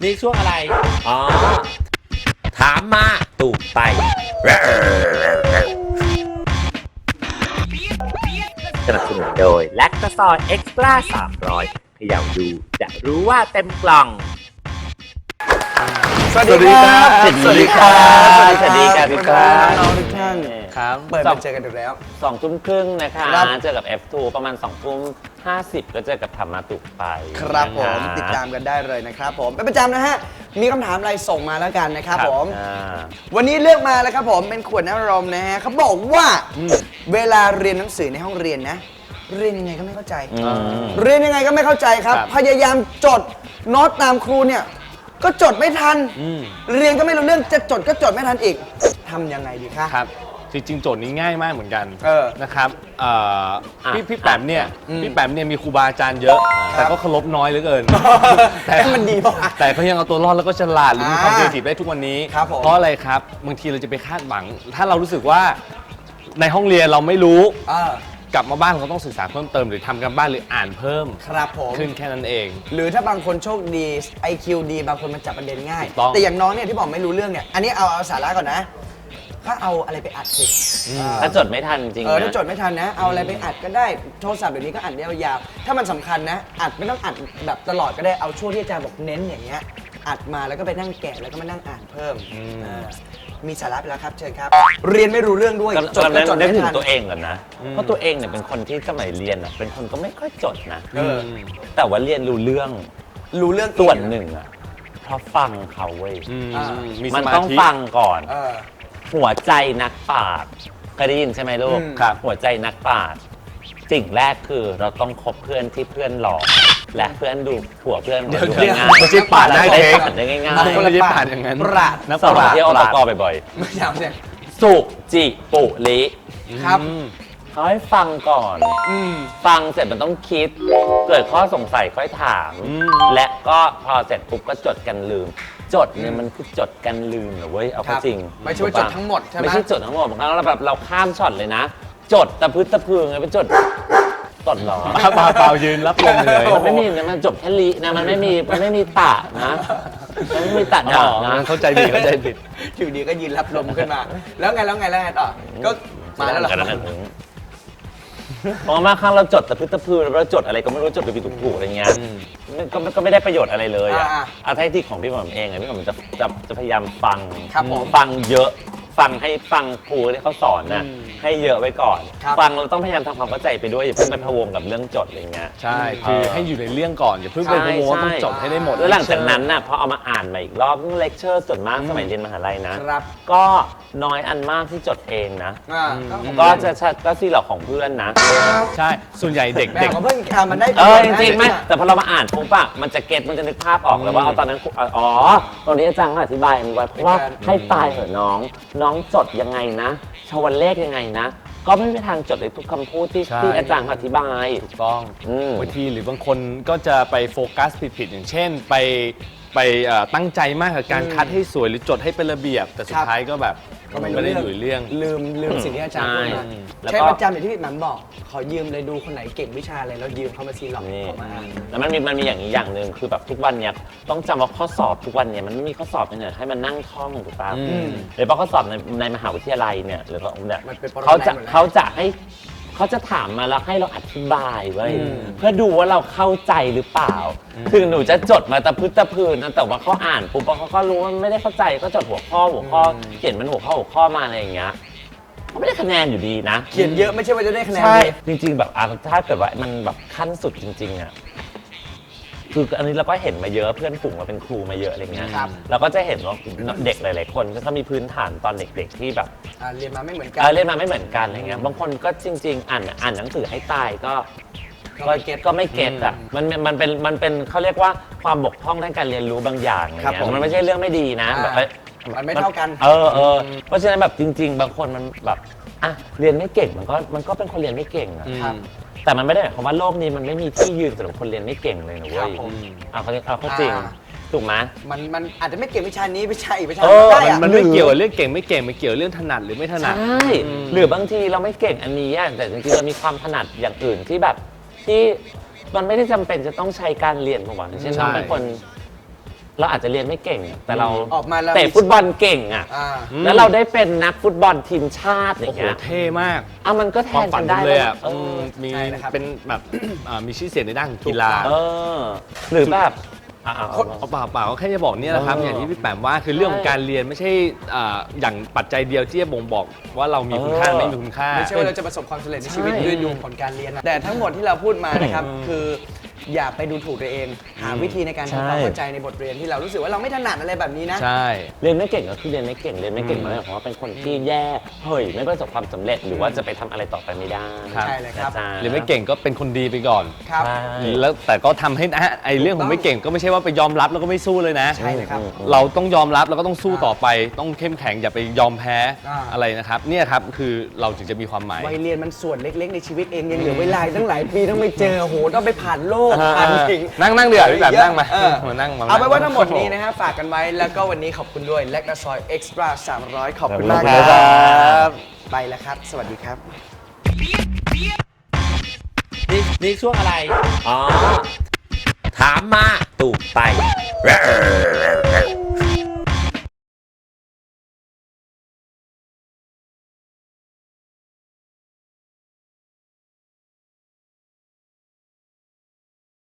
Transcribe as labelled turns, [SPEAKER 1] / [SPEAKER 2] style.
[SPEAKER 1] นี่ช่วงอะไรอ๋อถามมาตูกไปสนับสนุนโดยแลคตาซอยเอ็กซ์ตร้า300เขย่าดูจะรู้ว่าเต็มกล่อง
[SPEAKER 2] สวัสดีครับ
[SPEAKER 1] สวัสดีครับสวัสดีครับพี่ครับ
[SPEAKER 2] น้องทุกท่าน
[SPEAKER 1] ครับ
[SPEAKER 2] เปิดมาเจอกันอีกแล้ว
[SPEAKER 1] 2 ทุ่มครึ่งนะคะ
[SPEAKER 2] ครับ
[SPEAKER 1] เจอกับ F2 ประมาณ2 ทุ่ม 50ก็เจอกับธรรมะตุกไป
[SPEAKER 2] ครับผม
[SPEAKER 1] นะ
[SPEAKER 2] ติดตามกันได้เลยนะครับผมเป็นประจำนะฮะมีคำถามอะไรส่งมาแล้วกันนะครับผม
[SPEAKER 1] อ่า
[SPEAKER 2] วันนี้เลือกมาแล้วครับผมเป็นขวดน้ำอารมณ์นะฮะเขาบอกว่าเวลาเรียนหนังสือในห้องเรียนนะเรียนยังไงก็ไม่เข้าใจ เรียนยังไงก็ไม่เข้าใจครับ พยายามจดโน้ตตามครูเนี่ยก็จดไม่ทันเรียนก็ไม่รู้เรื่องจะจดก็จดไม่ทันอีกทำยังไงดีคะ
[SPEAKER 3] ครับจริงๆโจทย์นี้ง่ายมากเหมือนกัน นะครับพี่แปมเนี่ยมีครูบาอาจารย์เยอะ แต่ก็เคารพน้อยเหลือเกิน
[SPEAKER 2] แต่มันดีป่ะ
[SPEAKER 3] แต่เขายังเอาตัวรอดแล้วก็ฉลาดหรือมีความครีเอทีฟได้ทุกวันนี้
[SPEAKER 2] ครับผม
[SPEAKER 3] เพราะอะไรครับบางทีเราจะไปคาดหวัง ถ้าเรารู้สึกว่าในห้องเรียนเราไม่รู้ กลับมาบ้านเราต้องศึกษาเพิ่มเติมหรือทำกันบ้านหรืออ่านเพิ่ม
[SPEAKER 2] ครับผม
[SPEAKER 3] ขึ้นแค่นั้นเอง
[SPEAKER 2] หรือถ้าบางคนโชคดี IQ ดีบางคนมันจับประเด็นง่าย
[SPEAKER 3] ถูกต้อง
[SPEAKER 2] แต่อย่างน้องเนี่ยที่บอกไม่รู้เรื่องเนี่ยอันนี้เอาสาระก่อนนะถ้าเอาอะไรไปอัดสิอ่า
[SPEAKER 1] ถ้าจดไม่ทันจริงๆ
[SPEAKER 2] ถ้า
[SPEAKER 1] นะ
[SPEAKER 2] จดไม่ทันนะ เอาอะไรไปอัดก็ได้โทรศัพท์เดี๋ยวนี้ก็อัดได้ยาวๆถ้ามันสำคัญนะอัดไม่ต้องอัดแบบตลอดก็ได้เอาช่วงที่อาจารย์บอกเน้นอย่างเงี้ยอัดมาแล้วก็ไปนั่งแกะแล้วก็มานั่งอ่านเพิ่มมีสาระไปแล้วครับเชิญครับ เรียนไม่รู้เรื่องด้วยจดก็จด
[SPEAKER 1] นึก
[SPEAKER 2] ไม่
[SPEAKER 1] ถึง
[SPEAKER 2] ทัน
[SPEAKER 1] ตัวเองก่อนนะ เพราะตัวเองเนี่ยเป็นคนที่สมัยเรียนอ่ะเป็นคนก็ไม่ค่อยจดนะ
[SPEAKER 2] เออ
[SPEAKER 1] แต่ว่าเรียนรู้เรื่อง
[SPEAKER 2] รู้เรื่อง
[SPEAKER 1] ส่วนหนึ่งอ่ะเพราะฟังเขาเว้ย
[SPEAKER 3] มีส
[SPEAKER 1] มัน
[SPEAKER 3] มา
[SPEAKER 1] ต้อง
[SPEAKER 3] ธิ
[SPEAKER 1] ฟังก่อน
[SPEAKER 2] เออ
[SPEAKER 1] หัวใจนักปราชญ์เคยได้ยินใช่ไหมลูก
[SPEAKER 2] ครับ
[SPEAKER 1] หัวใจนักปราชญ์สิ่งแรกคือเราต้องคบเพื่อนที่เพื่อนหลอกและเพื่อนดูผัวเพื่อนของเราดูง่ายๆ
[SPEAKER 3] ไม่ใช่ปาดหน้า
[SPEAKER 1] ได้
[SPEAKER 3] เค้ก
[SPEAKER 1] ปาดได้ง่าย
[SPEAKER 3] ไม่ได้ปาดอย่างนั้น
[SPEAKER 2] ปราด
[SPEAKER 3] นัก
[SPEAKER 1] ๆสอบ
[SPEAKER 3] ปราชญ์
[SPEAKER 1] เที่ยวตะกอบ่อย
[SPEAKER 2] ไม่ยาวเนี่ย
[SPEAKER 1] ๆสุจิปุลิ
[SPEAKER 2] ครับ
[SPEAKER 1] เขาให้ฟังก่อน ฟังเสร็จมันต้องคิด เกิดข้อสงสัยค่อยถาม และก็พอเสร็จปุ๊บก็จดกันลืม จดเนี่ยมันคือจดกันลืมเหรอเว้ย เอาเข้าจริง
[SPEAKER 2] ไม่ใช่ว่าจดทั้งหมดใช่ไหม
[SPEAKER 1] ไม่ใช่จดทั้งหมดบางครั้งเราแบบเราข้ามช็อตเลยนะ จดตะพึดตะพือไงไปจดตดหรอ
[SPEAKER 3] เปล่ายืนรับลมเลย
[SPEAKER 1] มันไม่มีนะมันจบแค่ลินะมันไม่มีตะนะมันไม่มีตะ
[SPEAKER 3] อ๋
[SPEAKER 1] ดา
[SPEAKER 3] อ
[SPEAKER 1] นะ
[SPEAKER 3] เข้าใจผิดเข้าใจผิด
[SPEAKER 2] อยู่ดีก็ยืนรับลมขึ้นมา แล้วไงต่อ ก็มาแล้วเหรอ
[SPEAKER 1] กันนั้นเพราะมาครั้งเราจดตะพึดตะพือเราจดอะไรก็ไม่รู้จดไปผิดถูกๆอะไรเงี้ยก็ไม่ได้ประโยชน์อะไรเลยอ่ะอาทิที่ของพี่หม่อมเองอ่ะพี่หม่อมจะพยายามฟัง
[SPEAKER 2] ครับผม
[SPEAKER 1] ฟังเยอะฟังให้ฟังครูที่เขาสอนนะให้เยอะไว้ก่อน
[SPEAKER 2] ครับ
[SPEAKER 1] ฟังเราต้องพยายามทำความเข้าใจไปด้วยอย่าเพิ่งไปพะวงกับเรื่องจดอะไรเงี้ย
[SPEAKER 3] ใช่ คือให้อยู่ในเรื่องก่อน อย่าเพิ่งไปโม้ว่าต้องจบให้ได้หมด
[SPEAKER 1] แล้วหลังจากนั้นน่ะพอเอามาอ่านใหม่อีกรอบเลคเชอร์ส่วนมากสมัยเรียนมหาลัยนะ
[SPEAKER 2] ครับ
[SPEAKER 1] ก็น้อยอันมากที่จดเองนะ
[SPEAKER 2] ก็
[SPEAKER 1] ก็จะซีหลอกของเพื่อนนะ
[SPEAKER 3] ใช่ ส่วนใหญ่เด็ก
[SPEAKER 2] แม่ของเพื่อนมันได้
[SPEAKER 1] จริงๆไหมแต่พอเรามาอ่านปุ๊บอะมันจะเก็ตมันจะนึกภาพออกเลยว่าเอาตอนนั้นอ๋อตรงนี้อาจารย์เขาอธิบายมันไว้เพราะว่าให้ตายเหอะน้องจดยังไงนะชวันเลขยังไงนะ ก็ไม่มีทางจดเลยทุกคำพูดที่
[SPEAKER 3] ใช่
[SPEAKER 1] ที่อาจารย์เขาอธิบาย
[SPEAKER 3] ถูกต้อง
[SPEAKER 1] อืม
[SPEAKER 3] บางทีหรือบางคนก็จะไปโฟกัสผิดๆอย่างเช่น ไปตั้งใจมากกับการคัดให้สวยหรือจดให้เป็นระเบียบ แต่สุดท้ายก็แบบไม่ได้อยู่ในเรื่อง
[SPEAKER 2] ลืมสิ่งที่อาจารย์พูดมา
[SPEAKER 1] แล้วก็
[SPEAKER 2] ใช้ประจำอย่างที่พี่หมันบอก ขอยืมเลยดูคนไหนเก่งวิชาอะไรแล้วยืมเขามาซีหลอก
[SPEAKER 1] นี่
[SPEAKER 2] เขามา
[SPEAKER 1] แล้วมันมีอย่างนี้อย่างหนึ่งคือแบบทุกวันเนี้ยต้องจำว่าข้อสอบทุกวันเนี่ยมันไม่มีข้อสอบเนี่ยให้มันนั่งท่องถูกป่ะหรือว่าข้อสอบในมหาวิทยาลัยเนี่ยหรือว่าเนี่ย
[SPEAKER 2] มันเป็นปรมัย
[SPEAKER 1] เขาจะ
[SPEAKER 2] หมดแล้ว
[SPEAKER 1] เขาจะถามมาแล้วให้เราอธิบายไว้ยเพื่อดูว่าเราเข้าใจหรือเปล่าถึงหนูจะจดมาตะพึดตะพืนนะแต่ว่าเขาอ่านปุ๊บเขาก็รู้ว่าไม่ได้เข้าใจก็จดหัวข้อเขียนมันหัวข้อมาอะไรอย่างเงี้ยเขาไม่ได้คะแนนอยู่ดีนะ
[SPEAKER 2] เขียนเยอะไม่ใช่ว่าจะได้คะแนน
[SPEAKER 1] ใช่
[SPEAKER 2] ดี
[SPEAKER 1] จริงๆแบบถ้าเกิดว่ามันแบบขั้นสุดจริงๆอ่ะคืออันนี้เราก็เห็นมาเยอะเพื่อนฝูงเราเป็นครูมาเยอะอะไรเงี้ย
[SPEAKER 2] ครับ
[SPEAKER 1] เราก็จะเห็นว่าเด็กหลายๆคนก็มีพื้นฐานตอนเด็กๆที่แบบ
[SPEAKER 2] เรียนมาไม่เหมือนกั
[SPEAKER 1] เรียนมาไม่เหมือนกันอะไรเงี้ยบางคนก็จริง ๆ อ่านหนังสือให้ตายก็
[SPEAKER 2] ก็ไม่เก็ต
[SPEAKER 1] ก็ไม่เก็ตอ่ะมันเป็นเขาเรียกว่าความบกพร่องทางการเรียนรู้บางอย่างอะไร
[SPEAKER 2] ครับ
[SPEAKER 1] เงี้
[SPEAKER 2] ผม
[SPEAKER 1] ยมันไม่ใช่เรื่องไม่ดีนะแบบ
[SPEAKER 2] มันไม่เท่ากัน
[SPEAKER 1] เพราะฉะนั้นแบบจริง ๆ บางคนมันแบบอ่ะเรียนไม่เก่งมันก็เป็นคนเรียนไม่เก่งอะ
[SPEAKER 2] ครับ
[SPEAKER 1] แต่มันไม่ได้หมายความว่าโลกนี้มันไม่มีที่ยืนสำหรับคนเรียนไม่เก่งเลยนะ
[SPEAKER 2] ครั
[SPEAKER 1] เว้
[SPEAKER 2] บ
[SPEAKER 1] ย
[SPEAKER 2] ผม
[SPEAKER 1] เอาเข้าจริงถูกไหม
[SPEAKER 2] มันอาจจะไม่เก่งวิชานี้วิชาอีกวิชา
[SPEAKER 1] เอ
[SPEAKER 2] หนึ่ง
[SPEAKER 1] อ
[SPEAKER 2] ได้อะ
[SPEAKER 3] มันไม่เกี่ยวกับเรื่องเก่งไม่เก่งมันเกี่ยวเรื่องถนัดหรือไม่ถนัด
[SPEAKER 1] ใช่หรือบางทีเราไม่เก่งอันนี้อะแต่จริงๆเรามีความถนัดอย่างอื่นที่แบบที่มันไม่ได้จำเป็นจะต้องใช้การเรียนของหวังเช่น
[SPEAKER 3] ใช่
[SPEAKER 1] น้องเป็นคนเราอาจจะเรียนไม่เก่งอะแต่เรา
[SPEAKER 2] ออกมาแล้ว
[SPEAKER 1] เตะฟุตบอลเก่งอ่ะ
[SPEAKER 2] อ่า
[SPEAKER 1] แล้วเราได้เป็นนักฟุตบอลทีมชาติอ
[SPEAKER 3] โอ้
[SPEAKER 1] ย่าง
[SPEAKER 3] โห
[SPEAKER 1] เงี้ย
[SPEAKER 3] เท่มาก
[SPEAKER 1] อ่ะมันก็แท
[SPEAKER 3] ความ
[SPEAKER 1] น
[SPEAKER 3] ฝั
[SPEAKER 1] กัน นได้
[SPEAKER 3] เลยอ่ะ
[SPEAKER 1] เออ
[SPEAKER 3] มี
[SPEAKER 2] ใช่นะครับ
[SPEAKER 3] เป็นแบบ มีชื่อเสียงในด้านของกีฬา
[SPEAKER 1] เออหรือแบบเอา
[SPEAKER 3] เอาเปล่าก็แค่จะบอกเนี่ยแหละครับ อย่างที่พี่แปมว่าคือเรื่องของการเรียนไม่ใช่อย่างปัจจัยเดียวที่จะบ่งบอกว่าเรามีคุณค่าไม่มีคุณค่า
[SPEAKER 2] ไม่ใช่ว่าเราจะประสบความสำเร็จในชีวิต
[SPEAKER 1] ใช่
[SPEAKER 2] ด้วยดวงผลการเรียนนะแต่ทั้งหมดที่เราพูดมานะครับคืออย่าไปดูถูกตัวเอง หาวิธีในการทำความเข้าใจในบทเรียนที่เรารู้สึกว่าเราไม่ถนัดอะไรแบบนี้นะ
[SPEAKER 3] ใช่
[SPEAKER 1] เรียนไม่เก่งก็คือเรียนไม่เก่งเรียนไม่เก่งหมายความว่าเป็นคนที่แย่เฮ้ยไม่ประสบความสำเร็จหรือว่าจะไปทำอะไรต่อไปไม่ได้
[SPEAKER 3] ครับ
[SPEAKER 2] ใช่เลยครับ
[SPEAKER 1] นะจ๊ะ
[SPEAKER 3] เรียนไม่เก่งก็เป็นคนดีไปก่อน
[SPEAKER 2] ครับ
[SPEAKER 1] ใช่
[SPEAKER 3] แล้วแต่ก็ทำให้ไอ้เรื่องของไม่เก่งก็ไม่ใช่ว่าไปยอมรับแล้วก็ไม่สู้เลยนะ
[SPEAKER 2] ใช่เลยครับ
[SPEAKER 3] เราต้องยอมรับแล้วก็ต้องสู้ต่อไป ต้องเข้มแข็งอย่าไปยอมแพ้
[SPEAKER 2] อ่า
[SPEAKER 3] อะไรนะครับเนี่ยครับคือเราถึงจะมีความหมาย
[SPEAKER 2] วัยเรียนมันส่วนเล็กๆในชีวิตเองยังเหลือเวลาอีกตั้งหลายปีต้องไปเจอโอ้โหต้องไปผ่านโลกผ่านสิ่ง
[SPEAKER 3] นั่งเดือดพี่แบบนั่งมา
[SPEAKER 2] เออ
[SPEAKER 3] มานั่งมา
[SPEAKER 2] เอาไปนว่าทั้งหมดนี้นะฮะฝากกันไว้แล้วก็วันนี้ขอบคุณด้วยแลคตาซอยเอ็กซ์ตร้า300 ขอบคุณมาก
[SPEAKER 1] ขอบคุณ
[SPEAKER 2] ค
[SPEAKER 1] ครั
[SPEAKER 2] รับ ไปแล้วครับ สวัสดีครับ
[SPEAKER 1] นี่ช่วงอะไร อ๋อ ถามมาตูกไป